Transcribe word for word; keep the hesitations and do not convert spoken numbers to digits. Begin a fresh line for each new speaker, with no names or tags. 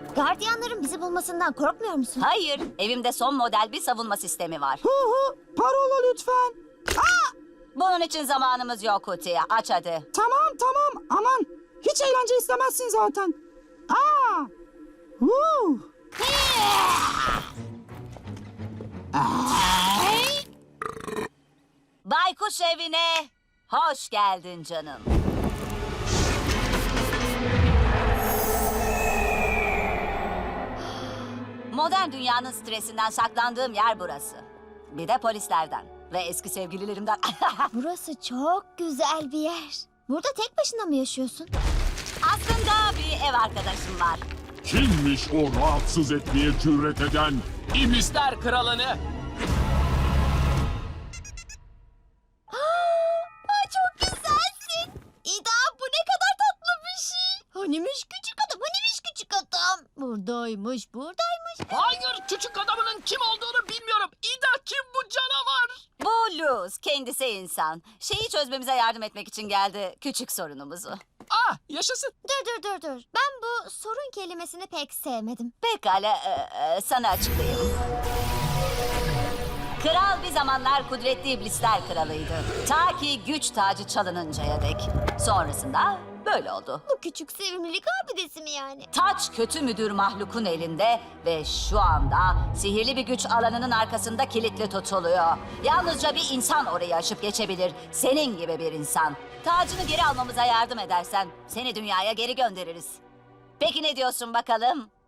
Gardiyanların bizi bulmasından korkmuyor musun?
Hayır, evimde son model bir savunma sistemi var.
Hu hu, parola lütfen.
Bunun için zamanımız yok Kuti. Aç hadi.
Tamam tamam, aman. Hiç eğlence istemezsin zaten. Aa. Hu.
Baykuş evine hoş geldin canım. Modern dünyanın stresinden saklandığım yer burası. Bir de polislerden ve eski sevgililerimden.
Burası çok güzel bir yer. Burada tek başına mı yaşıyorsun?
Aslında bir ev arkadaşım var.
Kimmiş o rahatsız etmeye cüret eden?
İblisler kralını.
Aa, çok güzelsin. İda, bu ne kadar tatlı bir şey. Hanimiş küçük adam, hanimiş küçük adam. Buradaymış, buradaymış.
Hayır, küçük adamının kim olduğunu bilmiyorum. İda kim bu canavar?
Bu Luz, kendisi insan. Şeyi çözmemize yardım etmek için geldi, küçük sorunumuzu.
Ah, yaşasın.
Dur dur dur dur. Ben bu sorun kelimesini pek sevmedim.
Pekala, e, e, sana açıklayayım. Kral bir zamanlar kudretli iblisler kralıydı. Ta ki güç tacı çalınıncaya dek. Sonrasında böyle oldu.
Bu küçük sevimlilik abidesi mi yani?
Taç kötü müdür mahlukun elinde ve şu anda sihirli bir güç alanının arkasında kilitli tutuluyor. Yalnızca bir insan orayı aşıp geçebilir. Senin gibi bir insan. Tacını geri almamıza yardım edersen seni dünyaya geri göndeririz. Peki ne diyorsun bakalım?